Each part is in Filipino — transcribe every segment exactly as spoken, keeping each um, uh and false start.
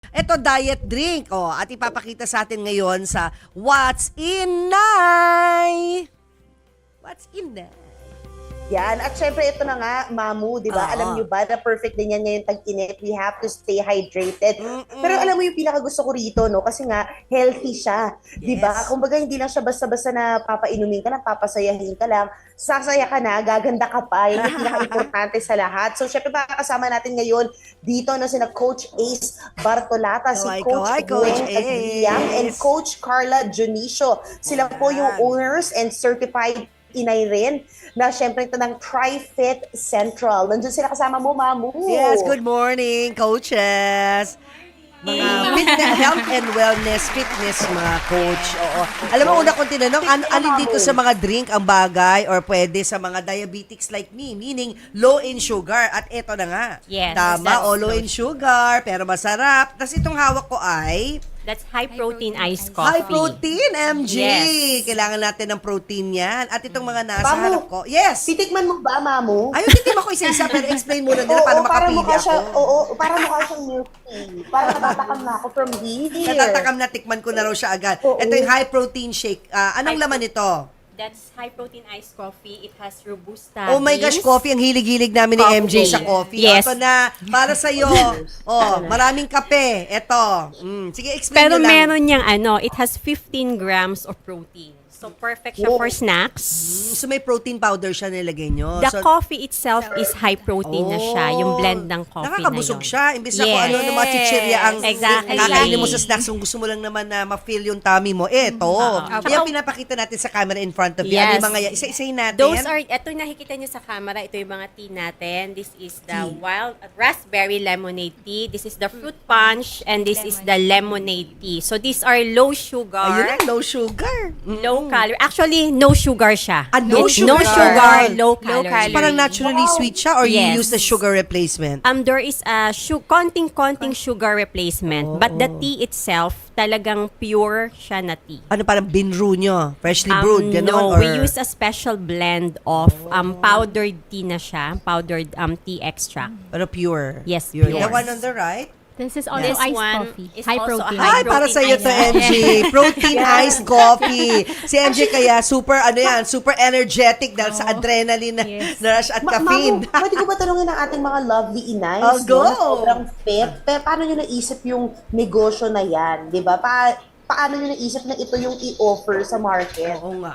Ito, diet drink. Oh, at ipapakita sa atin ngayon sa What's in Nay? What's in Nay? Yan. At syempre, ito na nga, Mamu, di ba? Oo. Alam nyo ba na perfect din yan ngayon tag-init. We have to stay hydrated. Mm-mm. Pero alam mo yung pinakagusto ko rito, no? Kasi nga, healthy siya. Di ba? Yes. Kumbaga, hindi lang siya basta-basta na papainumin ka lang, papasayahin ka lang. Sasaya ka na, gaganda ka pa. Yan yung pinaka-importante sa lahat. So, syempre, makakasama natin ngayon dito, no? Sina Coach Ace Bartolata, si Kaway, Coach kaway, Coach Gwen Agliam, Ace. and Coach Carla Junicio. Sila po yung Yan. owners and certified inay rin na syempre ito ng TriFit Central. Nandun sila kasama mo, Mamu. Yes, good morning, coaches. Mga fitness, health and wellness, fitness mga coach. Oo. Alam mo, una kong tinanong, an alin dito sa mga drink ang bagay or pwede sa mga diabetics like me, meaning low in sugar. At eto na nga. Yes, Tama, that's o low in sugar, pero masarap. Tapos itong hawak ko ay That's high-protein iced coffee. high protein, M G. Yes. Kailangan natin ng protein yan. At itong mga nasa Mamu, harap ko. Yes. Titikman mo ba, Mamu? Ayun, hindi mo ko isa-isa, pero explain muna nila Oo, paano para makapili mukha siya, ako. oo, para mukha siyang milk tea. Para natatakam na ako from here. Natatakam na, tikman ko na raw siya agad. Oo. Ito yung high protein shake. Ah, anong High laman nito? That's high-protein iced coffee. It has robusta Oh my gosh, beans. coffee. Ang hilig-hilig namin ni M J Coffee. sa coffee. Yes. Ito na, para sa'yo. Oh, maraming kape. Ito. Mm, sige, explain Pero nyo lang. meron niyang ano, it has fifteen grams of protein. So, perfect siya Oh. for snacks. Mm, so may protein powder siya nilagay nyo. The so, coffee itself is high protein na siya. Yung blend ng coffee Nakakabusog na yun. siya. Imbis na kung Yes. ano na mga chichirya ang Exactly. kakainin mo sa snacks kung gusto mo lang naman na ma-fill yung tummy mo. Eto. Oo. Yan Tsaka- pinapakita natin sa camera in front of you. Ano Yes. yung mga yan? Isa-isayin natin. Those are, ito yung nakikita niyo sa camera, ito yung mga tea natin. This is the Tea. wild raspberry lemonade tea. This is the fruit punch, and this is the lemonade tea. So these are low sugar, Ayun na, low sugar. Mm. low calorie. Actually, no sugar siya. Ah, no It's no sugar. sugar, low Low calorie. calorie. Parang naturally sweet siya or you Yes. use the sugar replacement? Um, there is a su- konting-konting sugar replacement, but the tea itself, talagang pure siya na tea. Ano parang binru nyo? Freshly Um, brewed, gano'n? no, or... we use a special blend of um powdered tea na siya, powdered um tea extract. Pero pure? Yes, pure. pure. The one on the right? This is also This iced one coffee. is High also a protein. high Ay, para protein sa iyo to, ice. M G. Protein iced coffee. Si M J kaya super, ano yan, super energetic dahil sa adrenaline na, Yes. na rush at Ma- caffeine. Mamu, pwede ko ba tanungin ang ating mga lovely inays? Oh, go! no, na sobrang fit. Pero paano nyo naisip yung negosyo na yan? Di ba? Pa paano nyo naisip na ito yung i-offer sa market? Oo nga.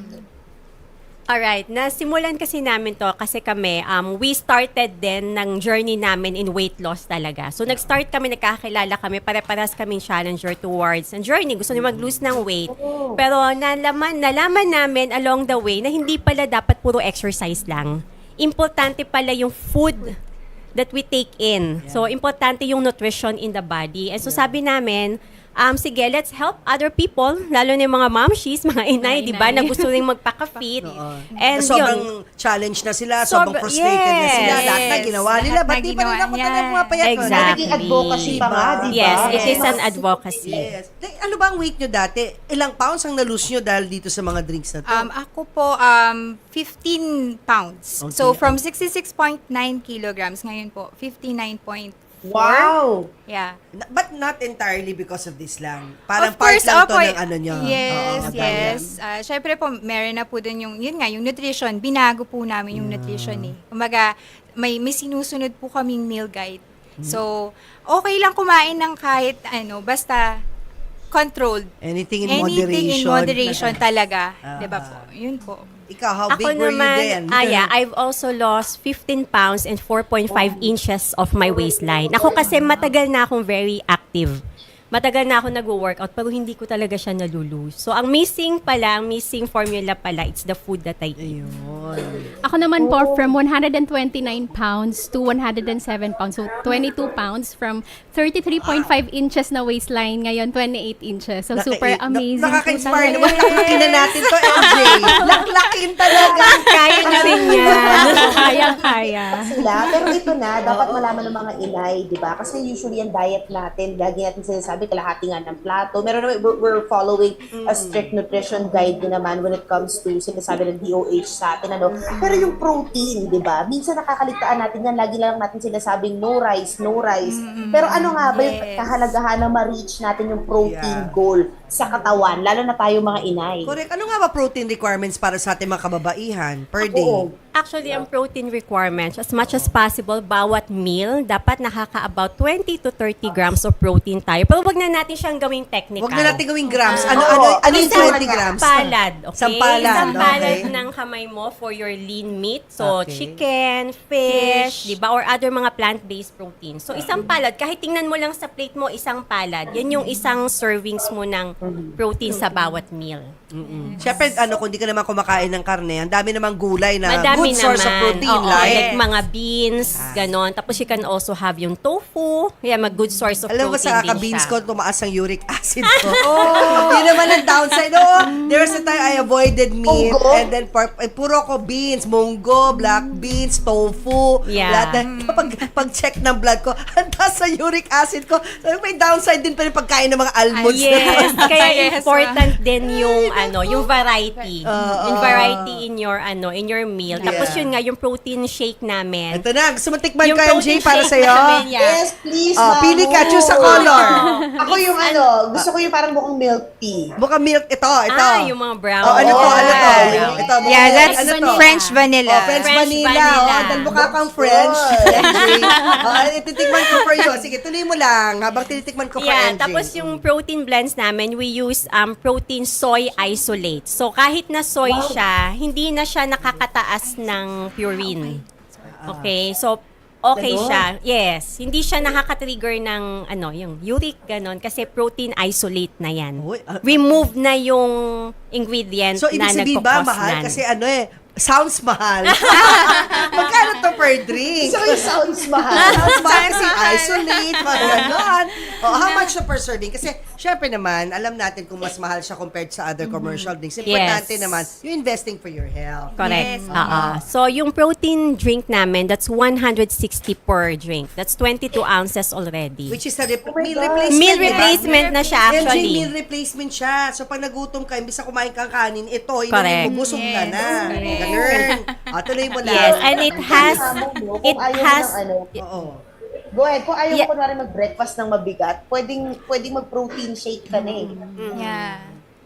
Alright, nasimulan kasi namin to kasi kami, um, we started din ng journey namin in weight loss talaga. So, nag-start kami, nagkakilala kami, pare-paras kaming challenger towards ang journey. Gusto niyo mag-lose ng weight. Pero nalaman, nalaman namin along the way na hindi pala dapat puro exercise lang. Importante pala yung food that we take in. So, importante yung nutrition in the body. And so, sabi namin, um, sige, let's help other people, lalo na yung mga momshies, mga inay, di ba, na gusto rin magpaka-fit. Oo. And sobrang yun, challenge na sila, sobrang Sobra- frustrated na sila. yes. Lahat na ginawa Lahat nila. na Ba't di pa rin ginawa ako niya. talaga pumapayat? Exactly. Naging advocacy pa nga, di ba? yes, it is Yes. an advocacy. Yes. Like, ano ba ang weight nyo dati? Ilang pounds ang na-lose nyo dahil dito sa mga drinks na to? Um, ako po, um, fifteen pounds. Okay. So, from sixty-six point nine kilograms, ngayon po, fifty-nine point four. Wow! Yeah. Na- But not entirely because of this lang. Parang Of part course, lang to opo, ng ano nyo. Yes, Oo, yes. Uh, Siyempre po, meron na po dun yung, yun nga, yung nutrition. Binago po namin yung nutrition eh. Kumbaga, may, may sinusunod po kaming meal guide. Hmm. So, okay lang kumain ng kahit ano, basta controlled. Anything in Anything moderation. in moderation talaga. Ah. Diba po? Yun po. Ikaw, how Ako big were you then? naman, ah, yeah, I've also lost fifteen pounds and four point five inches of my waistline. Ako kasi matagal na akong very active. Matagal na ako nag-workout pero hindi ko talaga siya nalulose. So, ang missing pala, ang missing formula pala, it's the food that I eat. Ayun. Ako naman po, from one hundred twenty-nine pounds to one hundred seven pounds. So, twenty-two pounds from thirty-three point five inches na waistline, ngayon twenty-eight inches. So, super Naka- amazing na- Nakaka-inspire po naman. Laklakin na natin to, M J. Laklakin talaga. Kaya na rin yan. Kaya-kaya. Sila. Pero ito na, dapat malaman ng mga inay, di ba? Kasi usually ang diet natin, lagi natin sinasabi, may kalahati nga ng plato. Meron naman, we're, we're following a strict nutrition guide din naman when it comes to sinasabi ng D O H sa atin. Ano. Pero yung protein, di ba? Minsan nakakaligtaan natin yan. Lagi lang natin sinasabing no rice, no rice. Pero ano nga ba yung Yes. kahalagahan na ma-reach natin yung protein Yeah. goal sa katawan, lalo na tayo mga inay? Correct. Ano nga ba protein requirements para sa ating mga kababaihan per day? Oo. Actually, ang protein requirements, as much as possible, bawat meal, dapat nakaka-about twenty to thirty grams of protein tayo. Pero wag na natin siyang gawing technical. Huwag na natin gawing grams. Ano, Oo. ano, ano yung Isang twenty grams? Palad, okay? Isang palad, Isang palad okay. ng kamay mo for your lean meat. So, Okay. chicken, fish, di ba? Or other mga plant-based protein. So, isang palad, kahit tingnan mo lang sa plate mo, isang palad. Yan yung isang servings mo ng protein sa bawat meal. Siyempre, ano, kung di ka naman kumakain ng karne, ang dami namang gulay na Madami good source naman. of protein, Oo, like, like mga beans, ganon. Tapos you can also have yung tofu. Yeah, mag good source of alam mo protein sa din kaka-beans siya. ko, tumaas ang uric acid ko. Oh. Yun naman ang downside. Oh, there's a time I avoided meat Munggo? and then pork, eh, puro ko beans, munggo, black beans, tofu. Yeah. Lahat na, kapag pag-check ng blood ko, ang taas sa uric acid ko. So, may downside din pa rin pagkain ng mga almonds. Yes, kaya Yes, important din yung ano, yung variety. Oo. yung variety in your ano, in your meal. Tapos Yeah. yun nga yung protein shake namin. Ito na, gusto mo tikman Yung ko, M J, protein para shake sa'yo? namin, yeah. Yes, please, Oh, Mamu. pili ka, choose a color. Ako yung ano, gusto ko yung parang mukhang milk tea. Buka milk, ito, ito. Ah, yung mga brown. Oh, ano to, ano to? Yeah. Ito, buka Yeah, milk. that's ano to? French vanilla. Oh, French, French vanilla. vanilla. Oh, dahil mukha kang French. M J. Oh, ititikman ko for you. Sige, tuloy mo lang habang tinitikman ko for Yeah, M J. tapos yung protein blends namin, we use um protein soy isolate. So kahit na soy siya, hindi na siya nakakataas ng purine. Okay, so okay Ganon? siya. Yes, hindi siya nakaka-trigger ng ano, yung uric ganon kasi protein isolate na yan. Uy, ah, Remove na yung ingredient So, ibig na sabihin ba, nagkukos mahal? nan. Kasi ano eh, sounds mahal. Magkano to per drink? So, it sounds mahal. Sounds mahal kasi isolate, mga ganon. Oh, how much na per serving? Kasi, syempre naman, alam natin kung mas mahal siya compared sa other commercial drinks. Importante Yes. naman, you're investing for your health. Correct. Yes. Oo. So, yung protein drink namin, that's one hundred sixty per drink. That's twenty-two ounces already. Which is a rep- my meal God. replacement. Meal di ba? replacement na siya M J, actually. meal replacement siya. So, pag nagutom ka, imbis na kumain kang kanin, ito, Correct. inumin mo, busog ka Yes, na. correct. Ganun. O, tuloy mo lang. Yes, and it has, Kung it ayaw mo has, ng ano, Oo. go ahead. Kung ayaw Yeah. mo kunwari mag-breakfast ng mabigat, pwedeng, pwedeng mag-protein shake ka na eh. Yeah.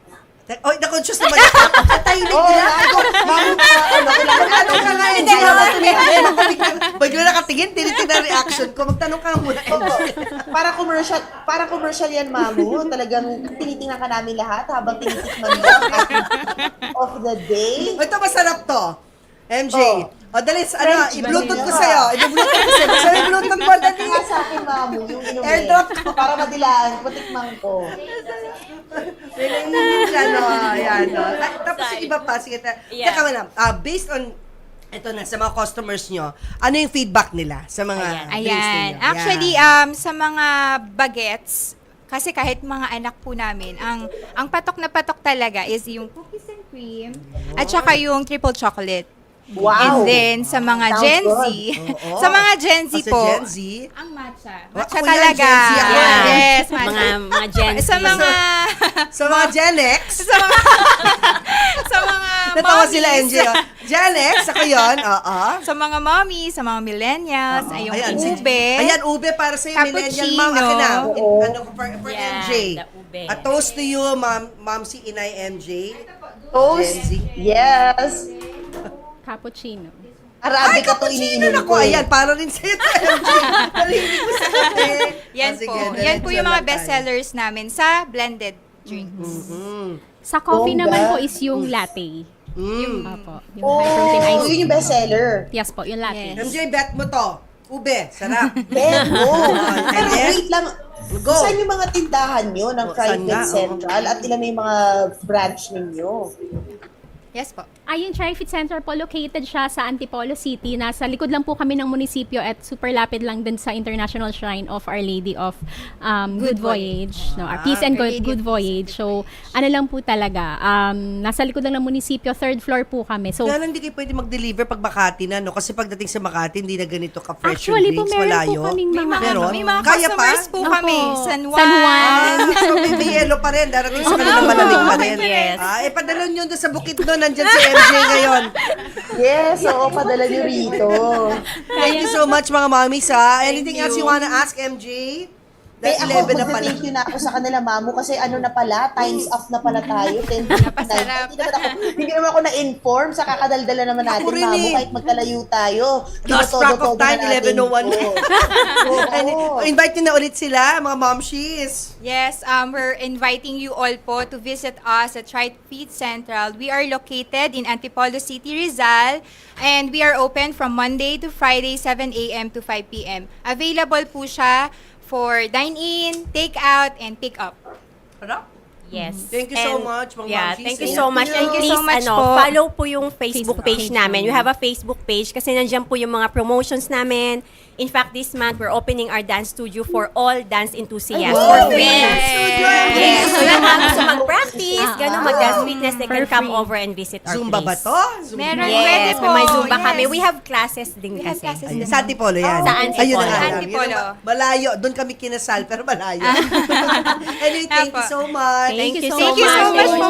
Oy, na-conscious naman ako. Tahimik Oo, nila. ako, mamo ka, ano, kailangan Magtanong ka nga, M J. Habang tumitingin, ako bigla, bigla nakatingin, tinitingnan ang reaction ko. Magtanong ka muna, M J. Oo. Para commercial, para commercial yan, Mamu. Talagang tinitingnan ka namin lahat habang tinitikman mo ang ating of the day. O, ito masarap to. M J. Oh. O, dali, ano, French i-bluetooth ko vanilla. sa'yo. I-bluetooth ko sa'yo. Sabi, bluetooth mo, dali. Kaya sa akin, Mamu, yung inumin. Airdrop ko. Para madilaan, patikman ko. May nangingin siya, no? Ayan, no? At, tapos yung iba pa, sige, ta- Yeah. teka muna, ah, based on, ito na, sa mga customers nyo, ano yung feedback nila sa mga Ayan. drinks Ayan. ninyo? Actually, Yan. um, sa mga bagets, kasi kahit mga anak po namin, ang ang patok na patok talaga is yung cookies and cream at saka yung triple chocolate. Wow! And then, sa mga Sounds Gen Z, good. Oo. sa mga Gen Z O, sa po, Gen Z, ang matcha. Wa- Matcha ako yan, talaga. Gen Z ako. Yeah. Yes, matcha. mga, mga Gen Z. Sa mga, sa mga Gen X, sa mga, sa mga natawa mommies. sila, M J. oh. Gen X, ako yun, oo. Sa mga mommy, sa mga millennials, ay yung Ayan, si- ube. Ayan, ube para sa millennial mom. Cappuccino. Akin na. Oo. Ano ko for, for Yeah, M J. the ube. A toast to you, ma'am, ma'am si Inay M J. Toast. Gen Z. Yes. Cappuccino. Arabic Ay, ka to cappuccino iniinom na ko. ko. eh. Ayan, para rin sa'yo to, M J. Narinig ko sa akin. Yan Oh, sige, po. diretso Yan po yung mga lang best tayo. sellers namin sa blended drinks. Mm. Sa coffee Bongga. naman po is yung latte. Mm. Opo. Yung high protein Oh, ice. yun yung bestseller. Yes po, yung latte. Yes. M J, bet mo to. Ube, sarap. Ben, go. Pero Yes. wait lang. Go. Saan yung mga tindahan nyo ng Oh, saan Private nga? Oo. Central at ilan na yung mga branch ninyo? Yes po. Ayun, TriFit Center po, located siya sa Antipolo City. Nasa likod lang po kami ng munisipyo at super lapid lang din sa International Shrine of Our Lady of um, Good, Good Voyage. No, our Ah, Peace and Our Good, Lady Good of Voyage. So, ano lang po talaga, um, nasa likod lang ng munisipyo, third floor po kami. So, Kaya lang hindi kayo pwede mag-deliver pag Makati na, no? Kasi pagdating sa Makati, hindi na ganito ka-fresh yung actually po, drinks, meron malayo. po kaming May mga... mga, Meron? may mga Kaya pa? customers po Opo. kami. San Juan. San Juan. Ah, so may, may yellow pa rin. Darating sa kanila Oo, malamig pa okay rin. pa rin. Ah, eh, padala nyo doon sa bukid doon. Nandyan si M J ngayon. Yes, oo, padala niyo rito. Thank you so much, mga mommies, ha? Anything Thank else you you. wanna ask, M J? Eh, Dahil ako, eleven na pala. mag-thank you na ako sa kanila, mamu, kasi ano na pala, times up na pala tayo. ten Napasarap. Hindi naman ako, hindi naman ako na-inform sa kakadaldala naman natin, Ako rin mamu, eh. kahit magkalayo tayo. Lost Tinotodo-todo track of na time, natin eleven oh one. ito. And, Oo. invite nyo na ulit sila, mga momshies. Yes, um, we're inviting you all po to visit us at TriFit Central. We are located in Antipolo City, Rizal, and we are open from Monday to Friday, seven a.m. to five p.m. Available po siya for dine-in, take-out, and pick-up. Harap? Yes. Thank you so And- much, mga Yeah, momshies. thank you Thank so much. you. And Thank you please, so much ano, po. follow po yung Facebook, Facebook page page namin. We namin. have a Facebook page kasi nandiyan po yung mga promotions namin. In fact, this month, we're opening our dance studio for all dance enthusiasts Ay, for wow. free. Dance studio. Yes. So yung mga gusto mag-practice, Ah, gano'n, ah. mag-dance fitness, they can For come free. over and visit our Zumba ba place. to? Zumba. Meron, pwede Yes, po. may Zumba Yes. kami. We have classes din We have kasi. classes Ayun, din. sa Antipolo yan. Sa Antipolo. Ayun na nga lang. Antipolo. Yun ang- Malayo. Doon kami kinasal, pero malayo. Anyway, thank you Apo. so much. Thank you so Thank you so much. much po,